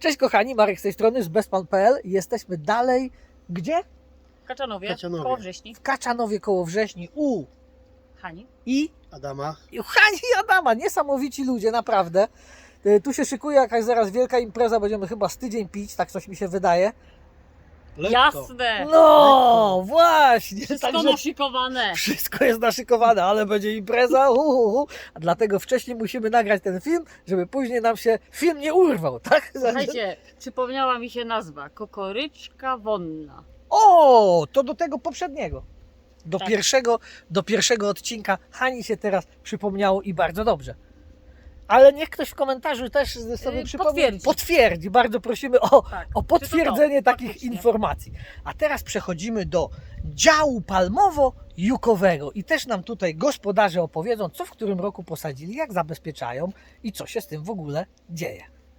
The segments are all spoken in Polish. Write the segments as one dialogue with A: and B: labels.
A: Cześć kochani, Marek z tej strony z bestpan.pl. Jesteśmy dalej, gdzie?
B: W Kaczanowie,
C: Kaczanowie.
B: koło Wrześni.
A: W Kaczanowie koło Wrześni u
B: Hani.
C: Adama.
A: Hani i Adama. Niesamowici ludzie, naprawdę. Tu się szykuje jakaś zaraz wielka impreza, będziemy chyba z tydzień pić, tak coś mi się wydaje.
C: Lekko.
B: Jasne!
A: No, właśnie.
B: Wszystko
A: Także
B: naszykowane.
A: wszystko jest naszykowane, ale będzie impreza. A dlatego wcześniej musimy nagrać ten film, żeby później nam się film nie urwał, tak?
B: Słuchajcie, przypomniała mi się nazwa. Kokoryczka wonna.
A: O, to do tego poprzedniego.
B: Tak.
A: Do pierwszego odcinka Hani się teraz przypomniało i bardzo dobrze. Ale niech ktoś w komentarzu też sobie przypomni. Potwierdzi. Bardzo prosimy
B: Tak.
A: o potwierdzenie
B: Czy to
A: takich
B: faktycznie?
A: informacji. A teraz przechodzimy do działu palmowo-jukowego i też nam tutaj gospodarze opowiedzą, co w którym roku posadzili, jak zabezpieczają i co się z tym w ogóle dzieje.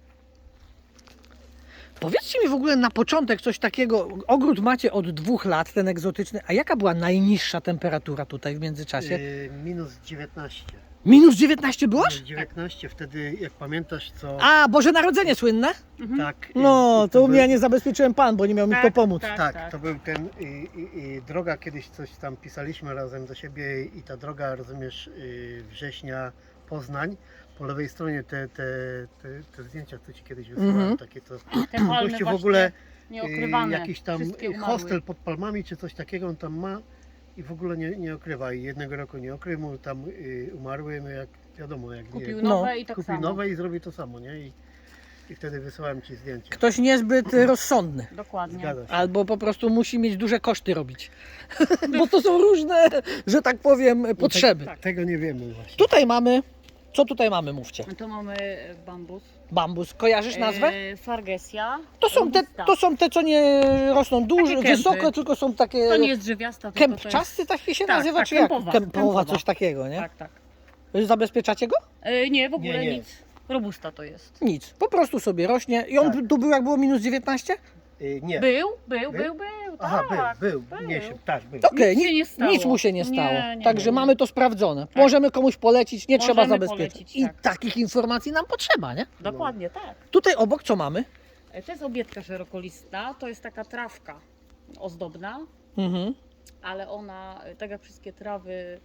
A: Powiedzcie mi w ogóle na początek coś takiego. Ogród macie od 2 lat, ten egzotyczny. A jaka była najniższa temperatura tutaj w międzyczasie?
C: Minus 19.
A: Minus 19 było?
C: Minus 19, wtedy jak pamiętasz co...
A: A, Boże Narodzenie słynne?
B: Mhm.
C: Tak.
A: No, to u mnie
C: był-
A: ja nie zabezpieczyłem pan, bo nie miał mi kto pomóc.
C: Tak, to był ten droga, kiedyś coś tam pisaliśmy razem do siebie i ta droga, rozumiesz, września, Poznań. Po lewej stronie te zdjęcia, co ci kiedyś wysłałem,
A: Mhm.
C: takie to
B: Te palmy
C: gościu w
B: właśnie
C: ogóle
B: nieokrywane.
C: jakiś tam
B: Wszystkie umarły.
C: hostel pod palmami czy coś takiego on tam ma i w ogóle nie okrywa i jednego roku nie okrył, mu tam umarły, no jak wiadomo, jak
B: Kupił
C: nie,
B: nowe i tak
C: kupił
B: samo.
C: nowe i zrobi to samo, nie? I wtedy wysyłałem ci zdjęcia.
A: Ktoś niezbyt rozsądny.
B: Dokładnie.
C: Zgadza się.
A: Albo po prostu musi mieć duże koszty robić. Bo to są różne, że tak powiem, potrzeby.
B: tak.
C: Tego nie wiemy właśnie.
A: Tutaj mamy, co tutaj mamy, mówcie?
B: Tu mamy bambus.
A: Bambus, kojarzysz nazwę?
B: Fargesia.
A: To są te, co nie rosną duże,
B: Takie kępy.
A: wysoko, tylko są takie
B: To nie jest drzewiasta, tylko to jest...
A: kępczasty, tak się
B: Tak,
A: nazywa,
B: tak,
A: czy jak?
B: kępowa,
A: Kępowa,
B: kępowa.
A: coś takiego, nie?
B: Tak, tak.
A: Zabezpieczacie go?
B: Nie, w ogóle
C: Nie.
B: nic. Robusta to jest.
A: Nic, po prostu sobie rośnie. I on
C: Tak.
A: tu był jak było minus 19?
C: Nie.
B: Był.
C: Aha,
B: Tak.
C: był. Nie się, tak, był.
A: Okej,
B: Nic się nie stało.
A: nic mu się nie stało.
B: Nie,
A: Także
B: nie.
A: mamy to sprawdzone. Możemy komuś polecić, nie trzeba
B: Możemy
A: zabezpieczyć.
B: polecić,
A: I
B: tak.
A: takich informacji nam potrzeba, nie?
B: Dokładnie tak.
A: Tutaj obok co mamy?
B: To jest obietka szerokolistna, to jest taka trawka ozdobna,
A: Mhm.
B: ale ona, tak jak wszystkie trawy,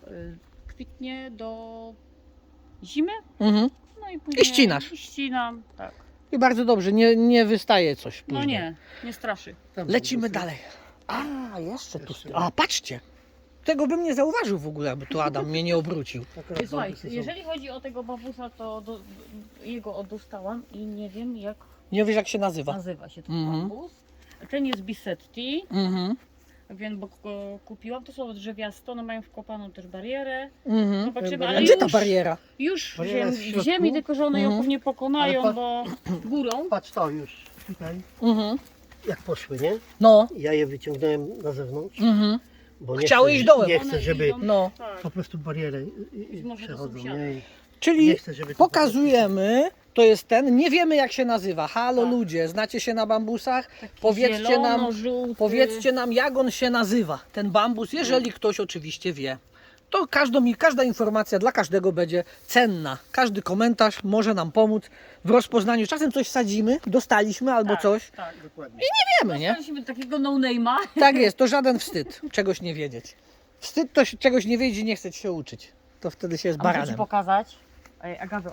B: kwitnie do zimy.
A: Mhm.
B: No i później...
A: I ścinasz.
B: I ścinam, tak.
A: I bardzo dobrze, nie wystaje coś później.
B: No nie straszy.
C: Tam są
A: Lecimy
C: busy.
A: dalej. A, jeszcze tu.
C: Jeszcze.
A: A, patrzcie. Tego bym nie zauważył w ogóle, aby tu Adam mnie nie obrócił.
C: Akurat
B: Słuchaj,
C: bambusy są.
B: jeżeli chodzi o tego bambusa, to jego dostałam i nie wiem jak
A: Nie wiesz jak się nazywa.
B: nazywa się ten
A: Mhm.
B: bambus. Ten jest Bisetti,
A: Mhm.
B: wiem, bo go kupiłam. To są drzewiaste, one mają wkopaną też barierę.
A: Mhm.
B: Zobaczymy,
A: A
B: ale
A: gdzie ta
B: już,
A: bariera?
B: już
C: Bariera jest w
B: w
C: środku.
B: ziemi, tylko że one ją
A: Mhm.
B: pewnie pokonają,
C: Ale
B: bo górą.
C: Patrz to już tutaj,
A: Mhm.
C: jak poszły, nie?
A: No.
C: Ja je wyciągnąłem na zewnątrz,
A: Mhm.
C: bo nie
A: Chciały
C: chcę,
A: iść dołem.
C: Nie
B: One
C: chcę, żeby
B: idą,
A: No.
B: tak.
C: po prostu barierę
B: Może do
C: przechodzą,
B: sąsiada.
C: nie? I
A: Czyli
C: nie chcę, żeby to
A: pokazujemy, to jest ten, nie wiemy jak się nazywa. Halo
B: Tak.
A: ludzie, znacie się na bambusach?
B: Taki
A: Powiedzcie nam,
B: zielono-żółty.
A: Powiedzcie nam jak on się nazywa, ten bambus, jeżeli ktoś oczywiście wie. To każda informacja dla każdego będzie cenna. Każdy komentarz może nam pomóc w rozpoznaniu. Czasem coś sadzimy, dostaliśmy albo
B: Tak,
A: coś.
B: Tak.
C: dokładnie.
A: Wiemy, nie?
B: Dostaliśmy takiego no-name'a.
A: Tak jest, to żaden wstyd czegoś nie wiedzieć. Wstyd to czegoś nie wiedzieć i nie chceć się uczyć. To wtedy się jest
B: A muszę Ci
A: baranem.
B: pokazać agawę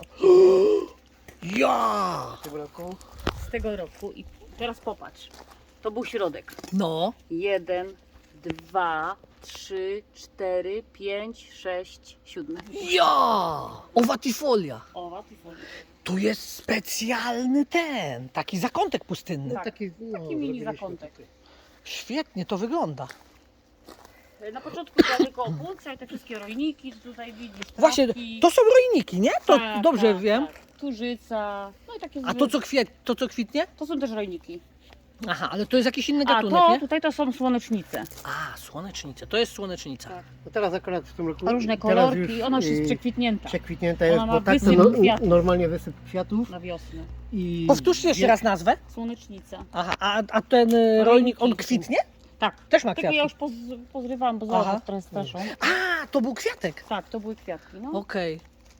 A: Ja!
C: W tym roku
B: z tego roku i teraz popatrz. To był środek.
A: No.
B: 1, 2, 3, 4, 5, 6, 7.
A: Ja! Owatifolia.
B: O, łatwiej.
A: Tu jest specjalny ten, taki zakątek pustynny.
B: Tak.
C: taki, no,
B: Taki mini
C: zrobiliśmy
B: zakątek.
C: tutaj.
A: Świetnie to wygląda.
B: Na początku była tylko opłuca i te wszystkie rojniki, co tutaj widzisz.
A: Właśnie,
B: trawki.
A: to są rojniki, nie? To
B: Tak,
A: dobrze
B: tak,
A: wiem.
B: Tak. Turzyca, no i takie
A: A to co kwitnie?
B: to są też rojniki.
A: Aha, ale to jest jakiś inny
B: A
A: gatunek,
B: to
A: nie?
B: tutaj to są słonecznice.
A: A, słonecznice, to jest słonecznica.
B: Tak.
C: No teraz akurat w tym roku...
B: Różne
C: teraz
B: kolorki, ona już jest przekwitnięta
C: przekwitnięta
B: Ona
C: jest,
B: ma
C: bo tak to
B: wysyp kwiatów.
C: normalnie wysyp kwiatów
B: na wiosnę.
C: i...
A: Powtórzcie jeszcze raz nazwę.
B: Słonecznica.
A: Aha, a ten rolnik, on kwitnie?
B: Tak.
A: Też ma
B: Tylko
A: kwiatki.
B: ja już pozrywałam, bo
A: Aha.
B: zobacz, trochę straszą.
A: A, to był kwiatek.
B: Tak, to były kwiatki, no.
A: Okej.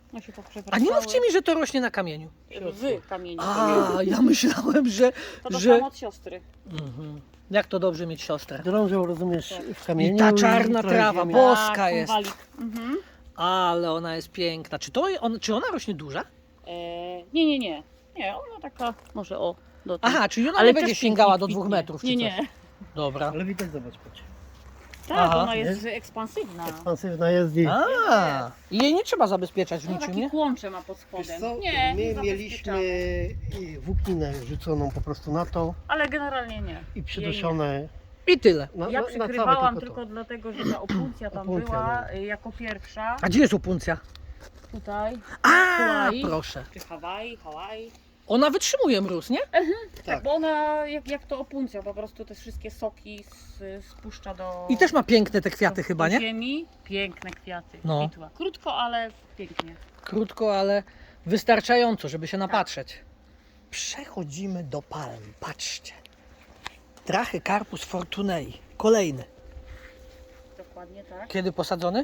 B: No się
A: A
B: poprzewracały.
A: nie mówcie mi, że to rośnie na kamieniu.
B: W kamieniu.
A: A, ja myślałem, że...
B: To
A: że...
B: dostałam od siostry.
A: Mhm. Jak to dobrze mieć siostrę.
C: Drążą, rozumiesz, w kamieniu.
A: I ta czarna
C: trochę
A: trawa,
C: ziemi.
A: bo- Boska
B: Tak,
A: jest.
B: konwalik. Mhm.
A: Ale ona jest piękna. Czy ona rośnie duża?
B: Nie. Nie, ona taka może o do tej.
A: Aha, czyli ona
B: Ale
A: nie
B: też
A: będzie
B: pięknie
A: sięgała do
B: kwitnie.
A: 2 metrów czy
B: Nie,
A: coś?
B: nie.
A: Dobra.
C: Ale widać, zobacz, patrz.
B: Tak,
A: Aha.
B: ona jest ekspansywna.
C: Ekspansywna jest i...
A: A, i jej nie trzeba zabezpieczać w
B: No
A: niczym,
B: takie
A: nie?
B: kłącze ma pod
C: Wiesz
B: spodem.
C: co,
B: Nie,
C: my
B: nie
C: mieliśmy
B: zabezpieczamy.
C: włókninę rzuconą po prostu na to
B: Ale generalnie nie.
C: i przyduszone
A: I tyle.
C: na,
B: Ja
C: na, na całe
B: przykrywałam
C: tylko
B: tylko dlatego, że ta opuncja tam
C: Opuncja,
B: była jako pierwsza.
A: A gdzie jest opuncja?
B: Tutaj.
A: A,
B: Hawaii.
A: proszę.
B: Czy Hawaii.
A: Ona wytrzymuje mróz, nie?
B: Tak,
C: Tak.
B: bo ona jak to opuncja, po prostu te wszystkie soki spuszcza do...
A: I też ma piękne te kwiaty
B: do
A: chyba, nie?
B: ziemi. Piękne kwiaty.
A: No.
B: Kwitła. Krótko, ale pięknie.
A: Krótko, ale wystarczająco, żeby się napatrzeć. Przechodzimy do palm. Patrzcie. Trachycarpus fortunei. Kolejny.
B: Dokładnie tak.
A: Kiedy posadzony?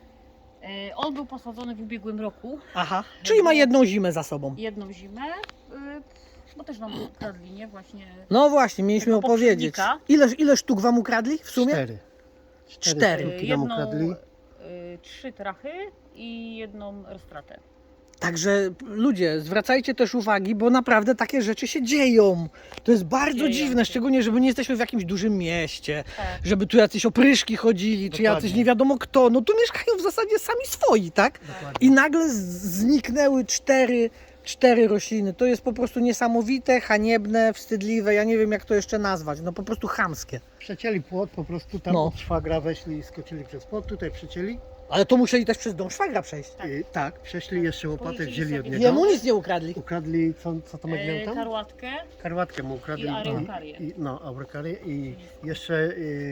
B: On był posadzony w ubiegłym roku.
A: Aha. Czyli ma jedną zimę za sobą.
B: Jedną zimę. Bo też nam ukradli, nie? Właśnie.
A: No właśnie, mieliśmy
B: Tego
A: opowiedzieć.
B: poprzednika.
A: Ile sztuk wam ukradli w sumie?
C: 4.
A: Cztery.
C: sztuki nam ukradli.
B: 3 trachy i jedną roztratę.
A: Także ludzie, zwracajcie też uwagi, bo naprawdę takie rzeczy się dzieją. To jest bardzo
B: Dzieją
A: dziwne,
B: się.
A: szczególnie, żeby nie jesteśmy w jakimś dużym mieście,
B: Tak.
A: żeby tu jacyś opryszki chodzili, czy
C: Dokładnie.
A: jacyś nie wiadomo kto. No tu mieszkają w zasadzie sami swoi, tak? I nagle zniknęły cztery rośliny. To jest po prostu niesamowite, haniebne, wstydliwe. Ja nie wiem, jak to jeszcze nazwać. No po prostu chamskie.
C: Przecięli płot, po prostu tam
A: No.
C: od szwagra weszli i skoczyli przez płot, tutaj przecięli.
A: Ale to musieli też przez dom szwagra przejść.
C: Tak, przeszli jeszcze łopatę,
B: Policzyli
C: wzięli od
B: sobie.
C: niego.
A: Jemu nic nie ukradli.
C: Ukradli, co Tomek miał tam?
B: Karłatkę.
C: Karłatkę mu ukradli.
B: I aurykarię.
C: No, aurykarię i jeszcze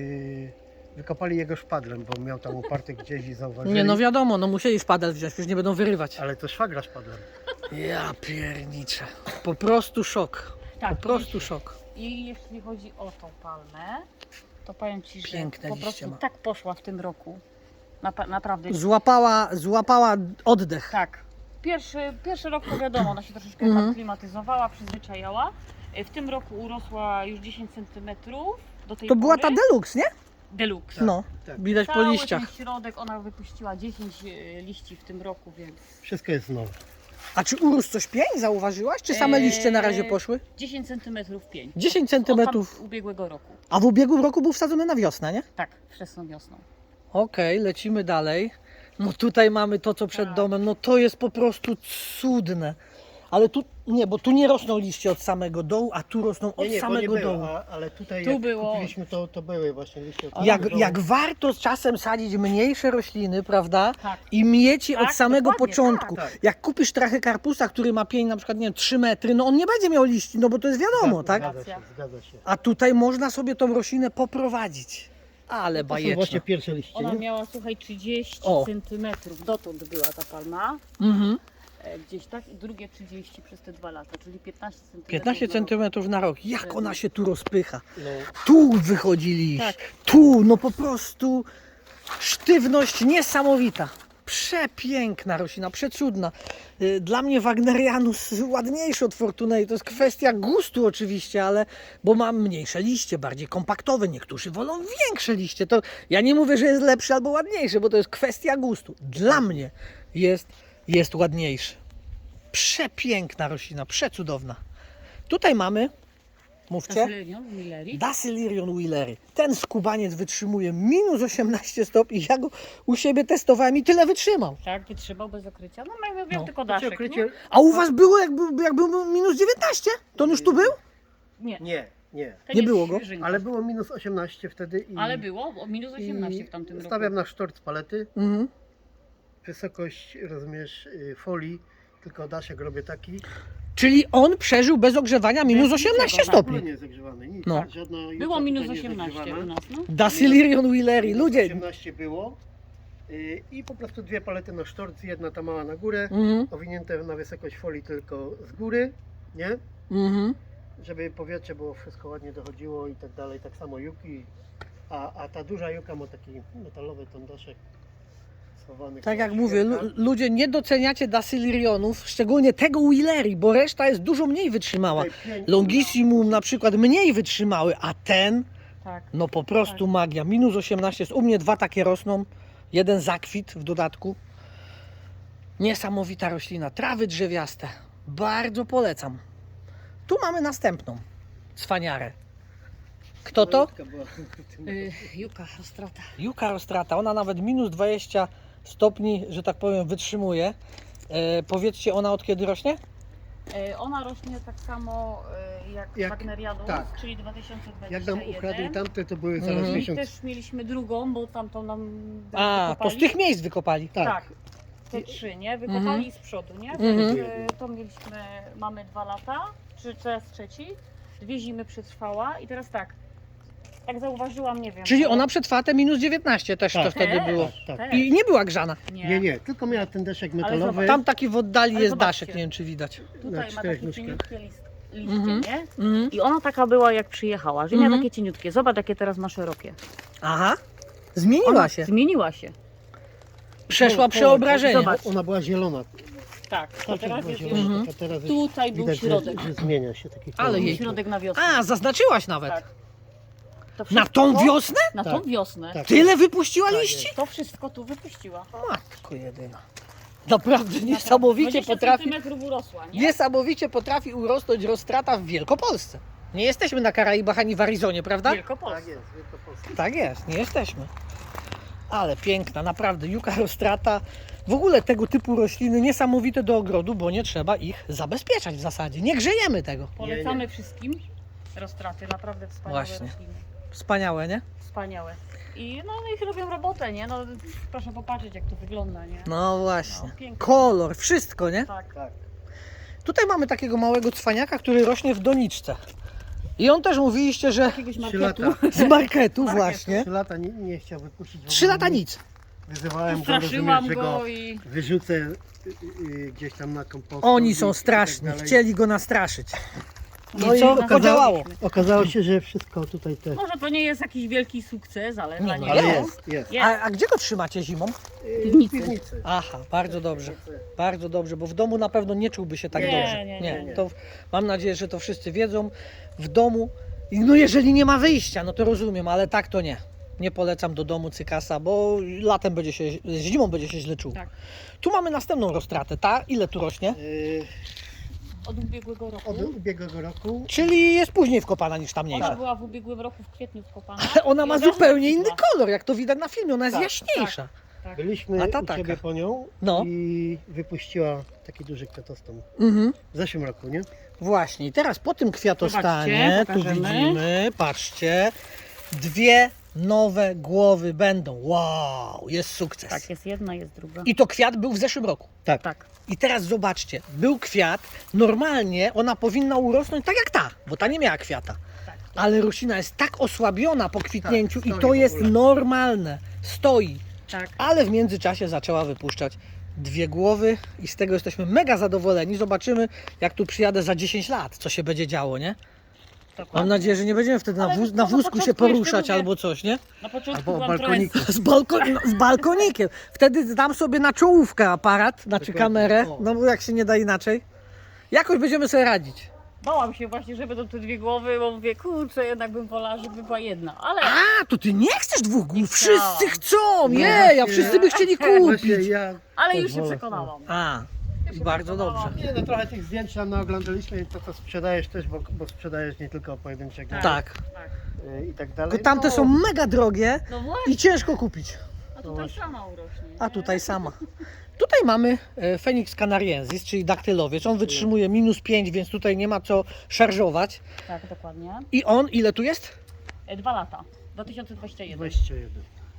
C: wykopali jego szpadlem, bo miał tam uparty gdzieś i zauważyli.
A: Nie, no wiadomo, no musieli szpadel wziąć, przecież nie będą wyrywać.
C: Ale to szwagra szpadlem.
A: Ja pierniczę. Po prostu szok.
B: Tak.
A: Po prostu szok.
B: I jeśli chodzi o tą palmę, to powiem Ci, że
A: Piękne
B: po
A: liście
B: prostu
A: ma.
B: tak poszła w tym roku. Naprawdę.
A: Złapała oddech.
B: Tak. Pierwszy rok to wiadomo, ona się troszeczkę
A: Mhm.
B: aklimatyzowała, przyzwyczajała. W tym roku urosła już 10 cm do tej
A: To była
B: pory.
A: ta deluxe, nie?
B: Deluxe.
A: No,
C: tak.
A: widać po
B: Cały
A: liściach.
B: ten środek ona wypuściła 10 liści w tym roku, więc
C: Wszystko jest nowe.
A: A czy urósł coś pień, zauważyłaś? Czy same liście na razie poszły?
B: 10 cm pień.
A: 10
B: Od
A: centymetrów.
B: ubiegłego roku.
A: A w ubiegłym roku był wsadzony na wiosnę, nie?
B: Tak, wczesną wiosną.
A: Okej, lecimy dalej. No tutaj mamy to, co przed
B: Tak.
A: domem. No to jest po prostu cudne. Ale tu, nie, bo tu nie rosną liście od samego dołu, a tu rosną od
C: bo nie
A: samego
C: było,
A: dołu.
C: ale tutaj
B: Tu
C: jak
B: było.
C: kupiliśmy to były właśnie liście. od
A: Jak,
C: dołu.
A: jak warto czasem sadzić mniejsze rośliny, prawda?
B: Tak.
A: I mieć je
B: Tak,
A: od samego
B: dokładnie,
A: początku.
C: tak.
A: Jak kupisz trachycarpusa, który ma pień na przykład, nie wiem, 3 metry, no on nie będzie miał liści, no bo to jest wiadomo, tak?
C: Zgadza się.
A: A tutaj można sobie tą roślinę poprowadzić. Ale
C: To są właśnie
A: bajeczne.
C: pierwsze liście.
B: Ona
C: nie?
B: miała, słuchaj, 30
A: O.
B: cm. Dotąd była ta palma.
A: Mhm.
B: Gdzieś tak. I drugie 30 przez te 2 lata, czyli 15 cm.
A: 15 cm na rok. Jak ona się tu rozpycha.
C: No,
A: Tu wychodzi liść.
B: Tak.
A: Tu, no po prostu sztywność niesamowita. Przepiękna roślina, przecudna. Dla mnie Wagnerianus ładniejszy od Fortunei. To jest kwestia gustu oczywiście, ale bo ma mniejsze liście, bardziej kompaktowe. Niektórzy wolą większe liście. To ja nie mówię, że jest lepszy albo ładniejszy, bo to jest kwestia gustu. Dla mnie jest ładniejszy. Przepiękna roślina, przecudowna. Tutaj mamy, mówcie,
B: Casylion w Millerii.
A: Dasylirion Wheelery. Ten skubaniec wytrzymuje minus 18 stopni. Ja go u siebie testowałem i tyle wytrzymał.
B: Tak, wytrzymał bez okrycia. No miał
A: No.
B: tylko
C: Znaczy,
B: daszek,
C: okrycie...
A: A u was było jak był minus 19? To on już tu był?
B: Nie,
C: Nie.
B: to
A: nie
B: jest
A: było go?
B: świeżynka.
C: Ale było minus 18 wtedy i...
B: Ale było, bo minus 18 w tamtym roku.
C: Stawiam na sztort z palety.
A: Mhm.
C: Wysokość, rozumiesz, folii, tylko daszek robię taki.
A: Czyli on przeżył bez ogrzewania minus
B: Bez
A: 18
B: niczego,
C: W ogóle
A: stopni.
C: nie jest zagrzewany, nic.
A: No.
C: Żadna juka
B: Było
C: tutaj
B: minus
C: nie jest
B: 18
C: zagrzewana.
B: u nas, no.
A: Dasylirion Wheelery.
C: Minus
A: Ludzie.
C: 18 było. I po prostu dwie palety na sztort, jedna ta mała na górę,
A: Mhm.
C: owinięte na wysokość folii tylko z góry, nie?
A: Mhm.
C: Żeby powietrze było wszystko ładnie dochodziło i tak dalej, tak samo juki. A ta duża juka ma taki metalowy ten daszek schowany.
A: Tak jak
C: koło
A: mówię,
C: świerka.
A: ludzie nie doceniacie Dasylirionów, szczególnie tego Willery, bo reszta jest dużo mniej wytrzymała.
C: Tutaj pięknie.
A: Longissimum na przykład mniej wytrzymały, a ten,
B: Tak.
A: no po prostu magia. Minus 18 jest, u mnie 2 takie rosną, jeden zakwit w dodatku. Niesamowita roślina, trawy drzewiaste, bardzo polecam. Tu mamy następną cwaniarę. Kto to?
C: Malutka była w tym
B: Juka, Rostrata.
A: Juka rostrata, ona nawet minus 20 stopni, że tak powiem, wytrzymuje. Powiedzcie, ona od kiedy rośnie?
B: Ona rośnie tak samo jak
C: Jak-
B: Wagnerianus,
C: tak.
B: czyli 2021.
C: Jak nam ukradli tamte, to były zaraz
A: Mhm.
B: I
C: miesiąc.
B: też mieliśmy drugą, bo tamtą nam
A: A, to
B: wykopali.
A: z tych miejsc wykopali.
C: Tak.
B: Tak. Te 3, nie? Wykopali
A: Mhm.
B: z przodu, nie?
A: Mhm.
B: To mieliśmy, mamy 2 lata, czy teraz trzeci. 2 zimy przetrwała i teraz tak zauważyłam, nie wiem.
A: Czyli
B: bo-
A: ona przetrwa te minus 19 też to
C: Tak.
A: wtedy
B: Też,
A: było.
C: Tak.
B: też.
A: I nie była grzana.
C: Nie, tylko miała ten deszek
B: Ale
C: metalowy.
B: zobacz,
A: Tam taki w oddali
B: Ale
A: jest
B: zobaczcie.
A: daszek, nie wiem czy widać.
B: Tutaj
C: na
B: ma
C: 4
B: takie
C: nóżkach.
B: cieniutkie liście,
A: Mhm.
B: nie?
A: Mhm.
B: I ona taka była jak przyjechała, że miała
A: Mhm.
B: takie cieniutkie. Zobacz jakie teraz ma szerokie.
A: Aha, zmieniła
B: Ona
A: się.
B: Zmieniła się.
A: Przeszła przeobrażenie.
B: Zobacz.
C: Ona była zielona.
B: Tak, a
C: Teraz
B: teraz
C: była
B: jest
C: zielona.
B: już
A: Mhm.
C: A teraz jest
B: tutaj był
C: widać,
B: środek.
C: że zmienia się taki
A: Ale
C: kolor.
A: jej-
B: Środek na wiosnę.
A: A, zaznaczyłaś nawet.
B: Tak. To
A: Na tą
B: wszystko-
A: wiosnę?
B: Na tą
C: Tak.
B: wiosnę.
C: Tak.
A: Tyle wypuściła
C: Tak
A: liści?
B: To wszystko tu wypuściła.
A: Matko jedyna. Naprawdę niesamowicie
B: 20
A: potrafi,
B: centymetrów urosła, nie?
A: niesamowicie potrafi urosnąć roztrata w Wielkopolsce. Nie jesteśmy na Karaibach ani w Arizonie, prawda?
B: Wielkopolska.
C: Tak jest, Wielkopolska.
A: Tak jest, nie jesteśmy. Ale piękna, naprawdę, Juka rostrata. W ogóle tego typu rośliny niesamowite do ogrodu, bo nie trzeba ich zabezpieczać w zasadzie. Nie grzejemy tego.
B: Polecamy wszystkim roztraty, naprawdę wspaniałe
A: Właśnie.
B: rośliny.
A: Wspaniałe, nie?
B: Wspaniałe. I no ich robią robotę, nie? No proszę popatrzeć jak to wygląda, nie?
A: No właśnie.
B: No, pięknie.
A: Kolor, wszystko, nie?
B: Tak.
C: Tak.
A: Tutaj mamy takiego małego cwaniaka, który rośnie w doniczce. I on też mówiliście, że
B: Jakiegoś
C: 3
B: marketu.
C: lata.
A: z marketu właśnie.
C: 3 lata nie chciał wypuścić. w
A: 3
C: ogóle
A: lata
C: nic.
A: nic.
C: Wyzywałem go,
B: Straszyłam
C: rozumiesz, że go
B: go i...
C: wyrzucę gdzieś tam na kompost.
A: Oni są straszni, chcieli go nastraszyć.
C: No
A: I
C: i
A: co?
C: okazało-
A: Podziałało.
C: Okazało się, że wszystko tutaj te.
B: Może to nie jest jakiś wielki sukces, ale
A: Nie,
B: dla
A: no
B: niego
C: Ale
A: jest.
C: jest.
B: jest.
A: A gdzie go trzymacie zimą?
B: Piwnicy.
C: Piwnicy.
A: Aha, bardzo dobrze. Bardzo dobrze, bo w domu na pewno nie czułby się tak
B: Nie,
A: dobrze.
B: nie.
A: To mam nadzieję, że to wszyscy wiedzą. W domu, no jeżeli nie ma wyjścia, no to rozumiem, ale tak to nie. Nie polecam do domu cykasa, bo latem będzie się, zimą będzie się źle czuł.
B: Tak.
A: Tu mamy następną roztratę. Ta ile tu rośnie?
B: Od ubiegłego roku.
C: Od ubiegłego roku.
A: Czyli jest później wkopana niż ta
B: Ona
A: mniejsza.
B: była w ubiegłym roku w kwietniu wkopana.
A: Ale ona
B: i
A: ma
B: od razu
A: zupełnie inny
B: kwitła.
A: kolor, jak to widać na filmie. Ona jest
C: Tak,
A: jaśniejsza.
B: Tak.
C: Byliśmy
A: A ta
C: u
A: taka.
C: Ciebie po nią
A: No.
C: i wypuściła taki duży kwiatostom.
A: Mhm.
C: W zeszłym roku, nie?
A: Właśnie, i teraz po tym kwiatostanie,
B: Zobaczcie,
A: tu
B: pokażemy.
A: widzimy, patrzcie, 2 nowe głowy będą. Wow, jest sukces.
B: Tak, jest jedna, jest druga.
A: I to kwiat był w zeszłym roku.
B: Tak.
A: I teraz zobaczcie, był kwiat, normalnie ona powinna urosnąć tak jak ta, bo ta nie miała kwiata.
B: Tak.
A: Ale roślina jest tak osłabiona po kwitnięciu
C: Tak,
A: i
C: stoi
A: to
C: w
A: jest
C: ogóle.
A: normalne, stoi.
B: Tak.
A: Ale w międzyczasie zaczęła wypuszczać 2 głowy i z tego jesteśmy mega zadowoleni. Zobaczymy, jak tu przyjadę za 10 lat, co się będzie działo, nie?
B: Dokładnie.
A: Mam nadzieję, że nie będziemy wtedy
B: Ale
A: na
B: wiesz co,
A: na
B: na
A: wózku się
B: początku
A: poruszać
B: jeszcze mówię-
A: albo coś, nie?
B: Na początku
C: Albo
B: byłam
C: balkoniku.
A: Z balkonikiem. Wtedy dam sobie na czołówkę aparat, znaczy
C: Dokładnie.
A: kamerę,
C: O.
A: no bo jak się nie da inaczej. Jakoś będziemy sobie radzić.
B: Bałam się właśnie, że będą te 2 głowy, bo mówię, kurczę, jednak bym wolała, żeby była jedna. Ale
A: A, to ty nie chcesz 2 głów,
B: Nie
A: wszyscy
B: chciałam.
A: chcą,
C: Nie,
A: nie, ja
C: właśnie.
A: wszyscy by chcieli
C: Właśnie
A: kupić.
C: ja.
B: ale już
C: też
B: się
C: wolę.
B: przekonałam.
A: A,
B: Już się
A: bardzo
B: przekonałam.
A: dobrze.
C: Nie, no trochę tych zdjęć tam oglądaliśmy, to sprzedajesz też, bo sprzedajesz nie tylko pojedynczego
A: Tak,
B: Tak.
C: i tak dalej.
A: tylko tamte
C: No,
A: są mega drogie
B: No właśnie,
A: i ciężko kupić.
B: a tutaj sama urośnie.
A: A
B: nie?
A: tutaj sama. Tutaj mamy Phoenix canariensis, czyli daktylowiec. On wytrzymuje -5, więc tutaj nie ma co szarżować.
B: Tak, dokładnie.
A: I on, ile tu jest?
B: 2 lata. 2021.
C: 21.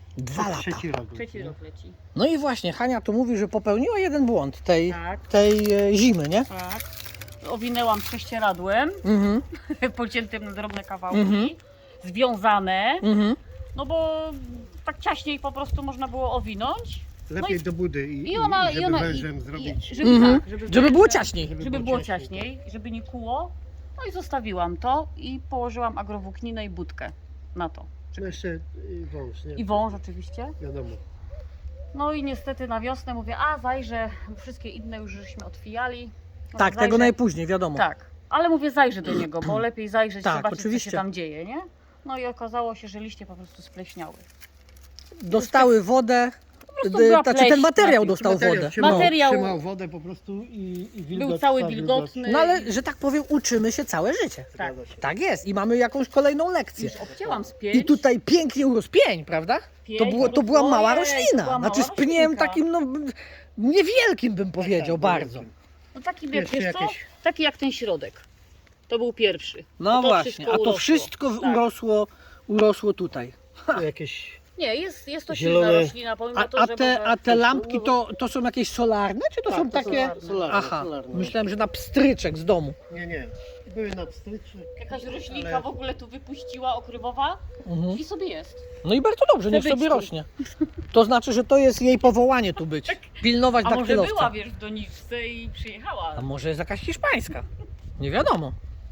A: 2 lata.
C: Trzeci rok.
B: Trzeci rok leci.
A: No i właśnie, Hania tu mówi, że popełniła jeden błąd tej
B: Tak,
A: zimy, nie?
B: tak. Owinęłam prześcieradłem,
A: Mhm,
B: pociętym na drobne kawałki,
A: Mhm.
B: związane,
A: mhm.
B: no bo tak ciaśniej po prostu można było owinąć.
C: Lepiej do budy i,
B: I ona,
C: żeby
B: i ona,
C: wężem
B: i,
C: zrobić.
B: żeby,
A: Mhm.
B: tak,
A: Żeby było
B: wężem-
A: ciaśniej.
B: Żeby było ciaśniej, żeby nie kuło. No i zostawiłam to i położyłam agrowłókninę i budkę na to.
C: No jeszcze wąż, nie?
B: I wąż oczywiście.
C: Wiadomo.
B: No i niestety na wiosnę mówię, a zajrzę, bo wszystkie inne już żeśmy otwijali. No,
A: Tak, tego najpóźniej, wiadomo.
B: Tak, ale mówię zajrzę do niego, bo lepiej zajrzeć,
A: Tak,
B: zobaczyć
A: oczywiście.
B: co się tam dzieje, nie? No i okazało się, że liście po prostu spleśniały.
A: Dostały wodę,
B: prostu była
A: znaczy
B: pleśń
A: ten materiał
B: na tym.
A: dostał wodę.
B: Materiał-
C: trzymał wodę po prostu i wilgoć.
B: Był cały
C: ta
B: wilgotny.
A: No ale, że tak powiem, uczymy się całe życie.
B: Tak.
C: Zgadza się.
A: Tak jest i mamy jakąś kolejną lekcję.
B: Już obcięłam z pięć.
A: I tutaj pięknie urósł pień, prawda? To była mała roślina. Znaczy z pniem takim, no niewielkim bym powiedział,
C: Tak,
A: bardzo.
B: No taki,
C: Jeszcze
B: wiesz co?
C: jakieś-
B: Taki jak ten środek. To był pierwszy.
A: No
B: to
A: właśnie,
B: wszystko
A: a to
B: urosło.
A: wszystko
B: Tak.
A: urosło tutaj.
C: Tu jakieś
B: Nie, jest to
C: Zielone-
B: silna roślina, pomimo to, że może...
A: A te lampki to są jakieś solarne, czy to
C: Tak,
A: są
C: to
A: takie...
C: solarne,
A: Aha,
C: solarne.
A: myślałem, że na pstryczek z domu.
C: Nie. Były na pstryczy.
B: Jakaś roślinka
C: ale-
B: w ogóle tu wypuściła, okrywowa
A: Mhm.
B: i sobie jest.
A: No i bardzo dobrze, niech
B: Chce być
A: sobie
B: tu.
A: rośnie. To znaczy, że to jest jej powołanie tu być. Pilnować
B: A może
A: daktylowca.
B: była, wiesz, w doniczce i przyjechała.
A: A może jest jakaś hiszpańska? Nie wiadomo.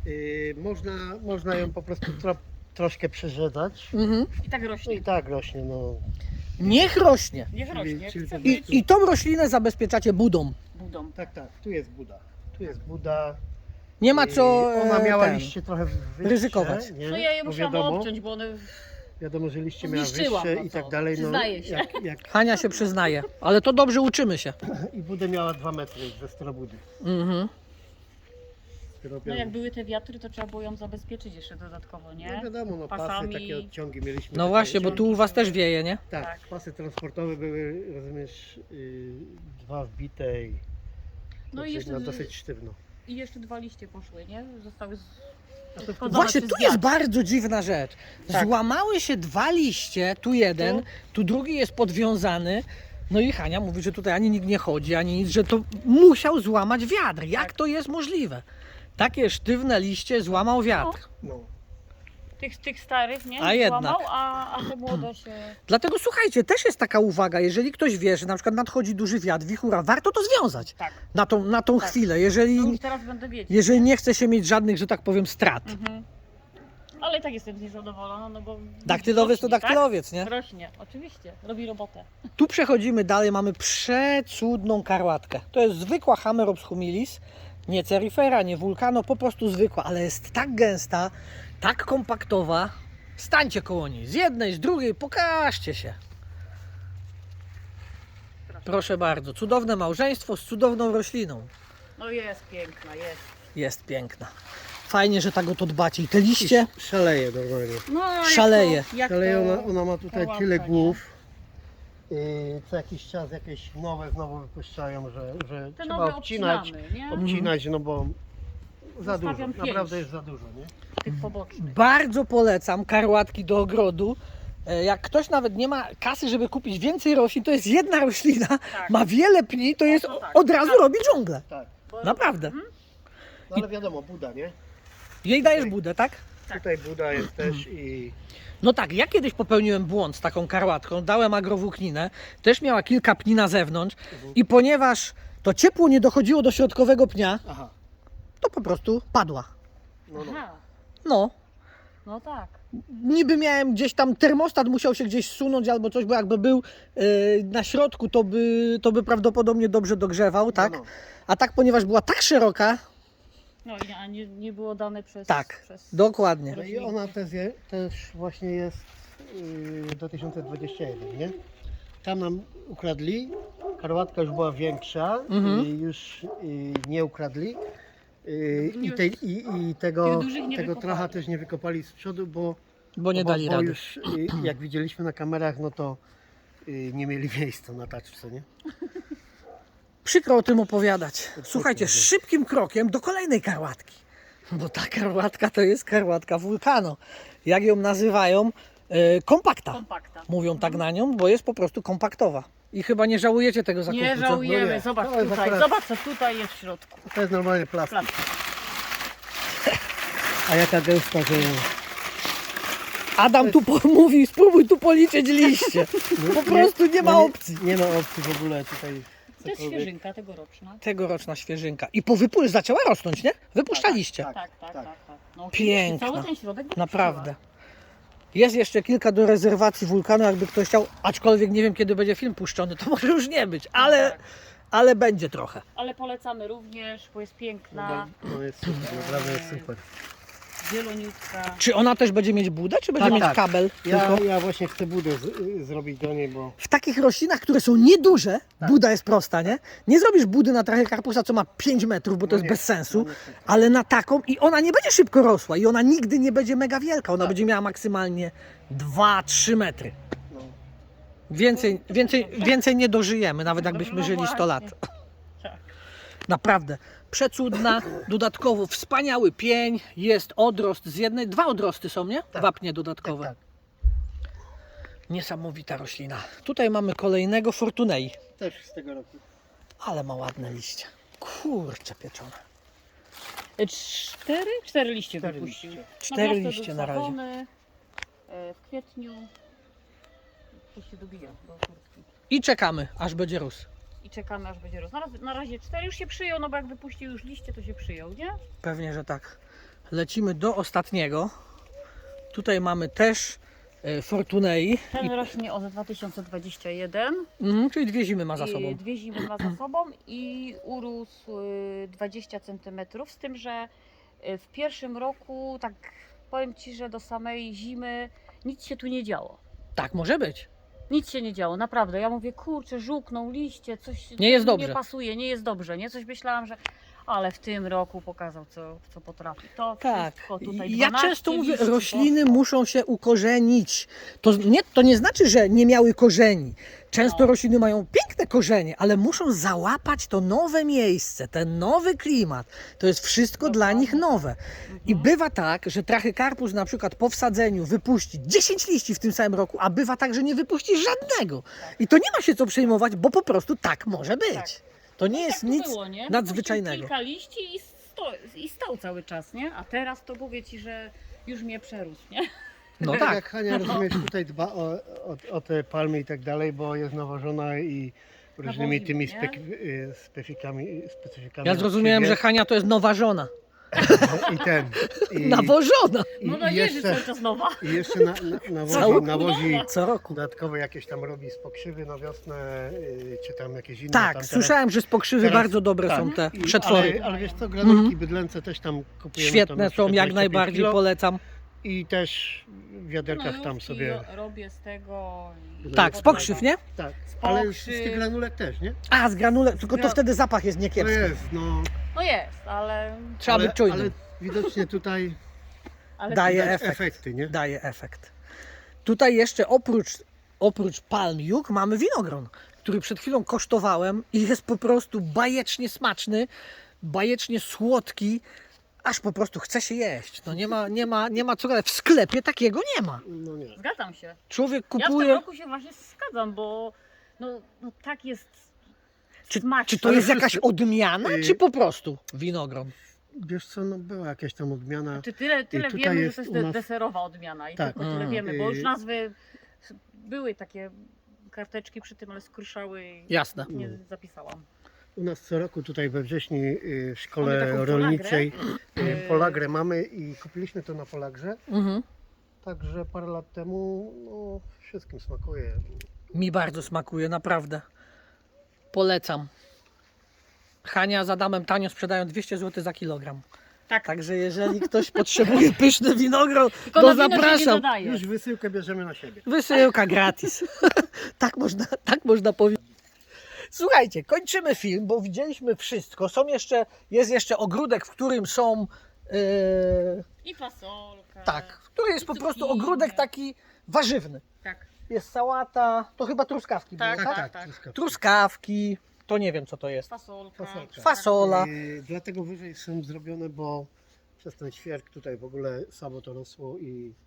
C: Można ją po prostu troszkę przerzedzać.
A: Mhm.
B: I tak rośnie.
C: I tak rośnie, no.
A: Niech rośnie.
B: Niech rośnie.
C: czyli
B: Chce
C: to-
B: być
A: I tą roślinę zabezpieczacie budą.
B: budą.
C: Tak, tu jest Buda. Tu jest Buda.
A: Nie ma co
C: Ona miała
A: ten,
C: liście trochę wyższe,
A: ryzykować.
C: Nie?
B: No ja je
C: Bo
B: musiałam obciąć, bo one...
C: Wiadomo, że liście miała
B: Zniszczyłam,
C: wyższe
B: no
C: i
B: co,
C: tak dalej. No,
B: przyznaję się.
A: Hania się przyznaje, ale to dobrze uczymy się.
C: I Budę miała 2 metry ze sterobudy.
A: Mhm.
B: No jak były te wiatry, to trzeba było ją zabezpieczyć jeszcze dodatkowo, nie?
C: No wiadomo, no pasy,
B: Pasami.
C: takie odciągi mieliśmy.
A: No
C: takie
A: właśnie, bo
C: odciągi.
A: tu u was też wieje, nie?
C: Tak,
B: Tak.
C: pasy transportowe były, rozumiesz, 2 wbite i
B: No i jeszcze,
C: no, dosyć sztywno.
B: i jeszcze 2 liście poszły, nie? Zostały
C: A to
B: wchodzone
A: Właśnie
B: przez
A: tu jest
B: wiatr.
A: bardzo dziwna rzecz.
B: Tak.
A: Złamały się 2 liście, tu jeden,
B: Tu.
A: tu drugi jest podwiązany. No i Hania mówi, że tutaj ani nikt nie chodzi, ani nic, że to musiał złamać wiatr. Jak
B: Tak.
A: to jest możliwe? Takie sztywne liście złamał wiatr.
C: No.
B: Tych starych, nie?
A: A jednak.
B: Złamał, a te młode się...
A: Dlatego słuchajcie, też jest taka uwaga, jeżeli ktoś wie, że na przykład nadchodzi duży wiatr, wichura, warto to związać
B: Tak.
A: na tą
B: Tak.
A: chwilę,
B: No
A: jeżeli,
B: już teraz będę wiedzieć.
A: jeżeli nie chce się mieć żadnych, że tak powiem, strat.
B: Mhm. Ale i tak jestem niezadowolona, no bo...
A: Daktylowiec to
B: rośnie,
A: daktylowiec, nie?
B: Tak? Rośnie, oczywiście. Robi robotę.
A: Tu przechodzimy dalej, mamy przecudną karłatkę. To jest zwykła Hamerops humilis, nie cerifera, nie vulcano, po prostu zwykła, ale jest tak gęsta, tak kompaktowa. Stańcie koło niej, z jednej, z drugiej, pokażcie się. Proszę bardzo, cudowne małżeństwo z cudowną rośliną.
B: No jest piękna, jest.
A: Jest piękna. Fajnie, że tak o to dbacie. I te liście,
C: Szaleje normalnie.
B: No, jak
A: Szaleje.
B: To, jak
C: Szaleje,
B: to...
C: ona ma tutaj
B: karłatka,
C: tyle
B: nie?
C: głów. Co jakiś czas jakieś nowe znowu wypuszczają, że
B: Te
C: trzeba
B: nowe
C: obcinać,
B: obcinamy, nie?
C: obcinać, no bo za dużo,
B: Zostawiam 5.
C: naprawdę jest za dużo, nie?
B: Tych pobocznych.
A: bardzo polecam karłatki do ogrodu. Jak ktoś nawet nie ma kasy, żeby kupić więcej roślin, to jest jedna roślina,
B: Tak.
A: ma wiele pni, to jest
B: to tak.
A: od razu robi dżunglę.
C: Tak.
B: Bo-
A: Naprawdę.
B: Mhm.
C: No ale wiadomo, Buda, nie?
A: Jej dajesz budę, tak?
B: Tak.
C: Tutaj Buda jest też i
A: No tak, ja kiedyś popełniłem błąd z taką karłatką, dałem agrowłókninę, też miała kilka pni na zewnątrz i ponieważ to ciepło nie dochodziło do środkowego pnia,
C: aha,
A: to po prostu padła.
C: no.
B: Aha,
A: No,
B: no tak.
A: niby miałem gdzieś tam, termostat musiał się gdzieś sunąć albo coś, bo jakby był na środku, to by prawdopodobnie dobrze dogrzewał, tak?
C: No, no.
A: A tak, ponieważ była tak szeroka,
B: No i a nie było dane przez...
A: tak,
B: przez...
A: dokładnie.
C: No i ona też właśnie jest do 2021, nie? Tam nam ukradli, karłatka już była większa
A: Mhm.
C: i już nie ukradli. I
B: Tych dużych nie
C: tego
B: wykopali.
C: tracha też nie wykopali z przodu,
A: Bo nie dali
C: bo
A: rady.
C: już jak widzieliśmy na kamerach, no to nie mieli miejsca na taczce, nie?
A: Przykro o tym opowiadać. Słuchajcie, szybkim krokiem do kolejnej karłatki. Bo ta karłatka to jest karłatka wulkano. Jak ją nazywają? Kompakta.
B: Kompakta.
A: Mówią tak na nią, bo jest po prostu kompaktowa. I chyba nie żałujecie tego zakupu.
B: Nie
A: co?
B: żałujemy,
C: No nie.
B: zobacz
C: To jest
B: tutaj,
C: akurat-
B: zobacz co tutaj jest w środku.
C: To jest normalnie plastik.
B: Plastik.
C: A jaka gęsta, że...
A: Adam tu mówi, spróbuj tu policzyć liście. Po prostu nie ma opcji.
C: Nie ma opcji w ogóle tutaj.
B: To jest
C: cokolwiek.
B: świeżynka tegoroczna.
A: Tegoroczna świeżynka. I po zaczęła rosnąć, nie? Wypuszczaliście.
C: Tak.
B: Tak, tak, tak. tak. No,
A: Piękna.
B: Cały ten środek wypuściła.
A: Naprawdę. Jest jeszcze kilka do rezerwacji wulkanu, jakby ktoś chciał, aczkolwiek nie wiem kiedy będzie film puszczony, to może już nie być,
B: Tak.
A: ale będzie trochę.
B: Ale polecamy również, bo jest piękna,
C: No jest super, naprawdę jest super.
B: zieloniutka.
A: Czy ona też będzie mieć budę, czy będzie
C: Tak,
A: mieć
C: tak.
A: kabel?
C: Ja,
A: Tylko?
C: ja właśnie chcę budę zrobić do niej, bo
A: W takich roślinach, które są nieduże,
C: Tak.
A: buda jest prosta, nie? Nie zrobisz budy na trachycarpusa, co ma 5 metrów, bo to
C: No
A: jest
C: nie,
A: bez sensu,
C: no niestety.
A: ale na taką i ona nie będzie szybko rosła i ona nigdy nie będzie mega wielka, ona
C: Tak.
A: będzie miała maksymalnie 2-3 metry.
C: no.
A: Więcej nie dożyjemy, nawet jakbyśmy
B: No
A: żyli 100 lat.
B: właśnie. Tak.
A: Naprawdę przecudna, dodatkowo wspaniały pień, jest odrost z jednej, 2 odrosty są, nie?
C: Tak.
A: Wapnie dodatkowe.
C: Tak,
A: Niesamowita roślina. Tutaj mamy kolejnego Fortunei,
C: też z tego roku.
A: ale ma ładne liście. Kurczę pieczone.
B: 4 liście
C: Cztery
B: wypuścił.
C: liście.
A: 4
B: prosto
A: liście
B: był
A: na razie.
B: sadzony, w kwietniu. To się dobija do kurtki.
A: I czekamy, aż będzie rósł.
B: I czekamy aż będzie rósł. Na razie 4 już się przyjął, no bo jak wypuścił już liście, to się przyjął, nie?
A: Pewnie, że tak. Lecimy do ostatniego. Tutaj mamy też Fortunei,
B: Ten rośnie od 2021.
A: czyli 2 zimy ma za sobą.
B: I 2 zimy ma za sobą i urósł 20 cm, z tym, że w pierwszym roku, tak powiem Ci, że do samej zimy nic się tu nie działo.
A: Tak może być.
B: Nic się nie działo, naprawdę. Ja mówię, kurczę, żółkną liście, coś
A: Nie jest
B: mi
A: dobrze.
B: nie pasuje, nie jest dobrze, nie? Coś myślałam, że... Ale w tym roku pokazał, co potrafi. To
A: Tak.
B: wszystko tutaj
A: Ja
B: 12
A: często mówię,
B: liści
A: rośliny
B: poszło.
A: muszą się ukorzenić. To nie znaczy, że nie miały korzeni. Często
B: No.
A: rośliny mają piękne korzenie, ale muszą załapać to nowe miejsce, ten nowy klimat. To jest wszystko dla
B: Dokładnie.
A: nich nowe. I
B: Mhm.
A: bywa tak, że trachycarpus na przykład po wsadzeniu wypuści 10 liści w tym samym roku, a bywa tak, że nie wypuści żadnego. I to nie ma się co przejmować, bo po prostu tak może być.
B: Tak.
A: To nie
B: No
A: jest
B: tak to
A: nic
B: było, nie?
A: nadzwyczajnego.
B: Wypuścił kilka liści i stał cały czas, nie? A teraz to mówię Ci, że już mnie przerósł, nie?
A: No
C: Tak
A: tak.
C: jak Hania, rozumiesz, tutaj dba o te palmy i tak dalej, bo jest nawożona i różnymi
B: Nawoziła,
C: tymi
B: nie?
C: specyfikami.
A: Ja
C: od
A: zrozumiałem,
C: siebie.
A: że Hania to jest nowa żona.
C: I
A: Nawożona.
B: No no
C: i
B: jeży
C: jeszcze,
B: cały czas nowa.
C: i jeszcze
A: Cały-
C: nawozi
A: Co roku.
C: dodatkowo jakieś tam robi z pokrzywy na wiosnę, czy tam jakieś inne.
A: Tak,
C: tam teraz-
A: słyszałem, że z pokrzywy
C: teraz-
A: bardzo dobre
C: tak.
A: są te
C: I-
A: przetwory.
C: Ale wiesz co, granulki
A: Mhm.
C: bydlęce też tam kupujemy.
A: Świetne
C: tam
A: są, jak
C: 25
A: najbardziej
C: kilo.
A: polecam.
C: I też w wiaderkach tam
B: Gnojówki
C: sobie.
B: robię z tego. i
A: Tak, z
B: podlewam.
A: pokrzyw, nie?
C: Tak,
B: z
C: ale z
B: pokrzyw.
C: tych granulek też, nie?
A: A, z granule, tylko to wtedy zapach jest
C: To
A: niekiepski.
C: jest, no.
B: No jest, ale
A: Trzeba być
C: Ale
A: czujnym.
C: widocznie tutaj
A: Daje
C: widać
A: efekt.
C: efekty, nie?
A: Daje efekt. Tutaj jeszcze oprócz palm juk mamy winogron, który przed chwilą kosztowałem i jest po prostu bajecznie smaczny, bajecznie słodki, aż po prostu chce się jeść. No nie ma co gadać. W sklepie takiego nie ma.
C: No nie.
B: zgadzam się.
A: Człowiek
B: Ja w tym
A: kupuje...
B: roku się właśnie zgadzam, bo no tak jest
A: Czy
B: smaczny.
A: to jest jakaś odmiana,
C: Y-
A: czy po prostu winogron?
C: Wiesz co, no była jakaś tam odmiana.
B: Czy tyle
C: tutaj
B: wiemy, że
C: jest
B: to jest
C: u nas-
B: deserowa odmiana i
C: Tak.
B: tylko tyle wiemy, bo już
C: Y-
B: nazwy były takie karteczki przy tym, ale skruszały i
A: Jasne.
B: nie zapisałam.
C: U nas co roku tutaj we wrześniu w
B: Mamy
C: szkole
B: taką
C: rolniczej
B: polagrę.
C: polagrę mamy i kupiliśmy to na polagrze.
A: Mhm.
C: Także parę lat temu no, wszystkim smakuje.
A: Mi bardzo smakuje, naprawdę. Polecam. Hania z Adamem tanio sprzedają 200 zł za kilogram.
B: Tak,
A: Także jeżeli ktoś potrzebuje pyszny winogron,
B: tylko
A: to
B: na wino się nie
A: zapraszam.
B: dodaje.
C: Już wysyłkę bierzemy na siebie.
A: Wysyłka gratis. tak można powiedzieć. Słuchajcie, kończymy film, bo widzieliśmy wszystko. Jest jeszcze ogródek, w którym są...
B: I fasolka.
A: tak, który jest
B: I
A: po prostu
B: cukinie.
A: ogródek taki warzywny.
B: Tak,
A: Jest sałata, to chyba truskawki
B: Tak,
A: były,
B: tak.
C: truskawki.
A: Truskawki, to nie wiem co to jest.
B: fasolka.
C: Fasolka.
A: Fasola.
C: Dlatego wyżej są zrobione, bo przez ten świerk tutaj w ogóle samo to rosło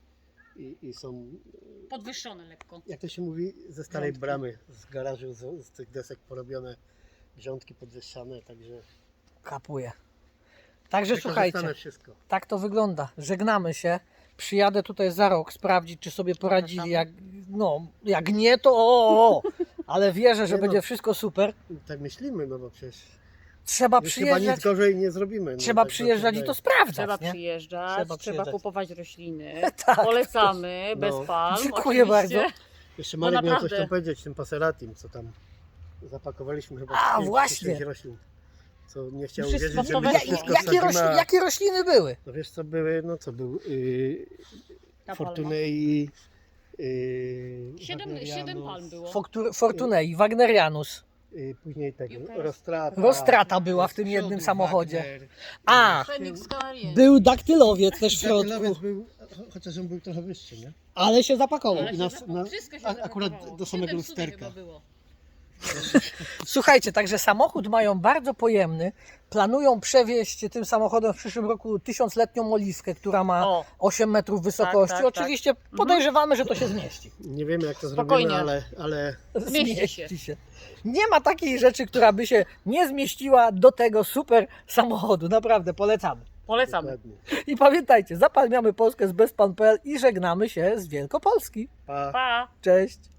C: i są,
B: Podwyższone lekko.
C: jak to się mówi, ze starej
B: Grządki.
C: bramy, z garażu, z tych desek porobione grządki podwyższane, także
A: Kapuje. Także słuchajcie,
C: wykorzystane wszystko.
A: tak to wygląda. Żegnamy się. Przyjadę tutaj za rok sprawdzić, czy sobie poradzili. Jak nie, to ale wierzę, że
C: Nie no.
A: będzie wszystko super.
C: Tak myślimy, no bo przecież
A: trzeba
C: Już chyba nic
A: przyjeżdżać,
C: gorzej nie zrobimy. No,
A: trzeba
C: tak
A: przyjeżdżać i to
C: wydaje.
A: sprawdzać,
B: Trzeba
A: nie?
B: przyjeżdżać,
A: Trzeba
B: trzeba
A: przyjeżdżać.
B: kupować rośliny.
A: Tak.
B: Polecamy, bez
C: No.
B: palm.
A: Dziękuję
B: oczywiście.
A: bardzo.
C: Jeszcze
B: Bo
C: Marek miał coś
B: naprawdę-
C: tam powiedzieć, tym paseratim, co tam zapakowaliśmy chyba
A: A,
C: 5 czy
A: właśnie.
C: 6 roślin. Co nie chciał
B: Wszystko
C: uwierzyć, że
B: to
C: my to
B: weszło.
C: wszystko wsadzimy.
A: Jakie rośliny były?
C: No wiesz co były, no co był
B: Ta
C: Fortunei,
B: Siedem
C: Wagnerianus,
B: palm było.
A: Fortunei, Wagnerianus.
C: Później tego,
B: Juker.
C: Rostrata.
A: Rostrata była w tym
C: Przodu
A: jednym samochodzie.
C: Wagner.
A: A,
B: Feniks Canariensis.
A: był daktylowiec też w
C: Daktylowiec
A: środku,
C: był, chociaż on był trochę wyższy, nie?
A: ale się zapakował.
B: Ale
C: I
B: się
C: nas-
B: zapakowało.
C: na-
B: Wszystko się
C: akurat
B: zapakowało.
C: do samego
B: 7 cudów
C: lusterka.
B: chyba było.
A: Słuchajcie, także samochód mają bardzo pojemny. Planują przewieźć tym samochodem w przyszłym roku 1000-letnią oliwkę, która ma
B: O,
A: 8 metrów wysokości.
B: tak, tak.
A: Oczywiście podejrzewamy, że to się zmieści.
C: Nie wiemy jak to
B: Spokojnie.
C: zrobimy, ale
B: Zmieści się.
A: Nie ma takiej rzeczy, która by się nie zmieściła do tego super samochodu. Naprawdę polecamy.
B: polecamy.
C: dokładnie.
A: I pamiętajcie, zapalniamy Polskę z bezpan.pl i żegnamy się z Wielkopolski.
C: Pa.
B: Pa!
A: Cześć!